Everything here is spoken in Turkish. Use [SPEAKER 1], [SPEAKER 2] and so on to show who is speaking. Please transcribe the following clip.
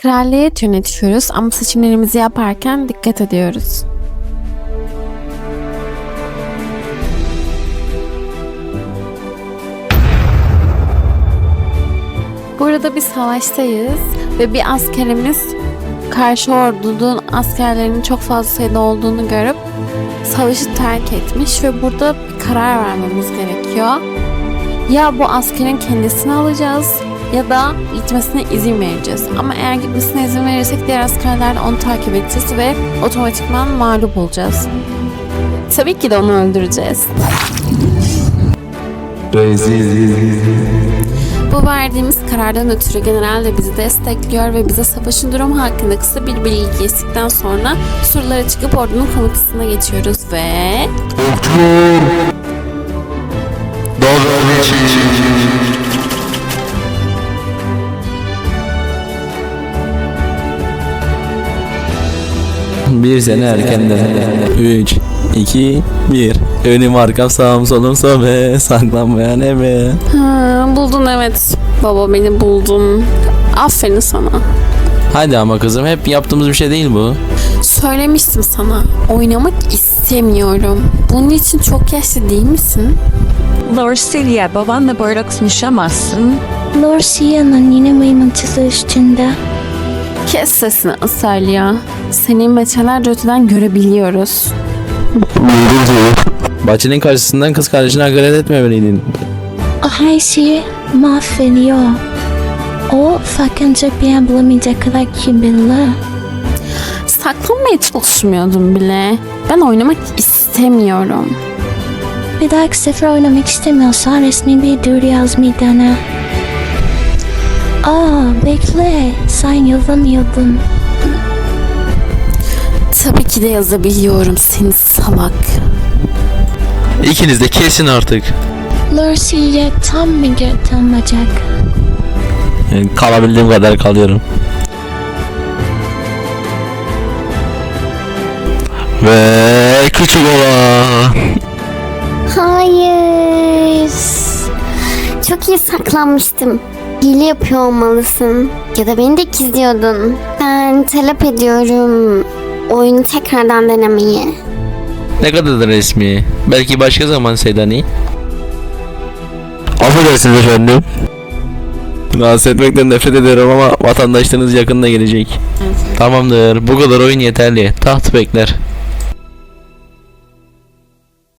[SPEAKER 1] Kraliyet yönetiyoruz ama seçimlerimizi yaparken dikkat ediyoruz. Burada bir savaştayız ve bir askerimiz karşı ordunun askerlerinin çok fazla sayıda olduğunu görüp savaşı terk etmiş ve burada bir karar vermemiz gerekiyor. Ya bu askerin kendisini alacağız ya da gitmesine izin vereceğiz. Ama eğer gitmesine izin verirsek diğer askerler de onu takip edeceğiz ve otomatikman mağlup olacağız. Tabii ki de onu öldüreceğiz. Bu verdiğimiz karardan ötürü general de bizi destekliyor ve bize savaşın durumu hakkında kısa bir bilgi geçtikten sonra surlara çıkıp ordunun komutasına geçiyoruz ve...
[SPEAKER 2] Bir sene erkenden. 3, 2, 1. Önüm arkam sağım solum sobe. Saklanmayan eve.
[SPEAKER 1] Buldun evet. Baba beni buldun. Aferin sana.
[SPEAKER 2] Hadi ama kızım, hep yaptığımız bir şey değil bu.
[SPEAKER 1] Söylemiştim sana. Oynamak istemiyorum. Bunun için çok yaşlı değil misin?
[SPEAKER 3] Lorsilia, babanla böyle konuşamazsın.
[SPEAKER 4] Lorsia'nın yine mıymıntısı üstünde.
[SPEAKER 1] Kes sesini Asalia. Seni metrelerce öteden görebiliyoruz.
[SPEAKER 2] Bahçenin karşısından kız kardeşine hakaret etmemeliydin.
[SPEAKER 4] O her şeyi mahvediyor. O fakınca bir an bulamayacak kadar kibirli.
[SPEAKER 1] Saklanmaya çalışmıyordum bile. Ben oynamak istemiyorum.
[SPEAKER 4] Bir dahaki sefer oynamak istemiyorsan resmi bir duyuru yazmayı dene. Bekle, sen yazamıyordun.
[SPEAKER 1] Tabii ki de yazabiliyorum seni salak.
[SPEAKER 2] İkiniz de kesin artık.
[SPEAKER 4] Lorsia'ya tam bir götürmeyecek.
[SPEAKER 2] Kalabildiğim kadar kalıyorum. Ve küçük olan.
[SPEAKER 5] Hayır. Çok iyi saklanmıştım. Hile yapıyor olmalısın. Ya da beni de gizliyordun. Ben talep ediyorum oyunu tekrardan denemeyi.
[SPEAKER 2] Ne kadar da resmi. Belki başka zaman Sedani. Affedersiniz efendim. Rahatsız etmekten nefret ederim ama vatandaşlarınız yakında gelecek. Tamamdır. Bu kadar oyun yeterli. Taht bekler.